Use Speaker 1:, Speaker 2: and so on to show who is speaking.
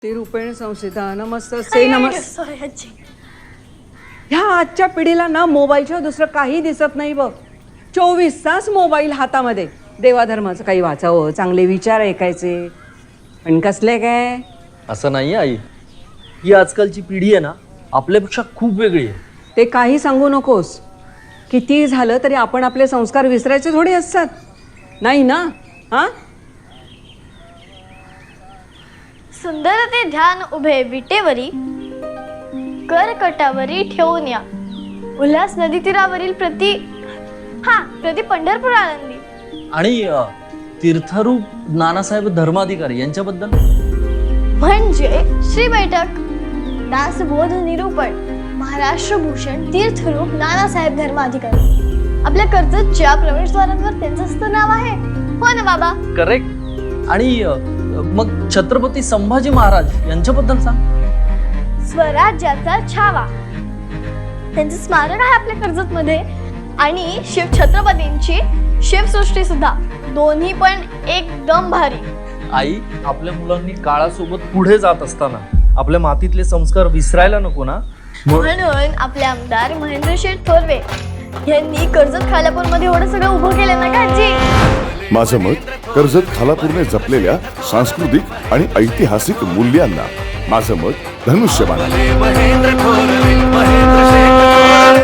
Speaker 1: ते रूपेण संस्थिता नमस्तसे नमस्. ह्या आजच्या पिढीला ना मोबाईलच्या दुसरं काही दिसत नाही बघ. 24 तास मोबाईल हातामध्ये. देवाधर्माचं काही वाचावं, चांगले विचार ऐकायचे, पण कसले काय.
Speaker 2: असं नाही आई, ही आजकालची पिढी आहे ना आपल्यापेक्षा खूप वेगळी आहे.
Speaker 1: ते काही सांगू नकोस. किती झालं तरी आपण आपले संस्कार विसरायचे थोडे असतात, नाही ना. हा,
Speaker 3: सुंदर ते ध्यान उभे विटेवरी, करकटावरी ठेवून या. उल्हास नदी तीरावरील प्रति पंढरपूर आळंदी.
Speaker 2: आणि तीर्थरूप नानासाहेब धर्माधिकारी यांच्याबद्दल
Speaker 3: म्हणजे श्री बैठक दासबोध निरूपण महाराष्ट्र भूषण तीर्थरूप नानासाहेब धर्माधिकारी. आपल्या कर्जतच्या प्रवेशद्वारांवर त्यांचं असतं नाव आहे. हो ना बाबा?
Speaker 2: करेक्ट. आणि मग छत्रपती संभाजी महाराज यांच्याबद्दल सांग.
Speaker 3: स्वराज्याचा छावा त्यांचं स्मारक आहे आपल्या कर्जत मध्ये. आणि शिव छत्रपतींची शिवसृष्टी सुद्धा, दोन्ही पण एकदम भारी.
Speaker 2: आई, आपल्या मुलांनी काळासोबत पुढे जात असताना आपल्या मातीतले संस्कार विसरायला नको ना.
Speaker 3: म्हणून आपले आमदार महेंद्र शेठ थोरवे यांनी कर्जत खालापूर मध्ये एवढं सगळं उभं केलं ना काजी.
Speaker 4: माझं मत, कर्जत खालापूरने जपलेल्या सांस्कृतिक आणि ऐतिहासिक मूल्यांना माझं मत धनुष्यबाण.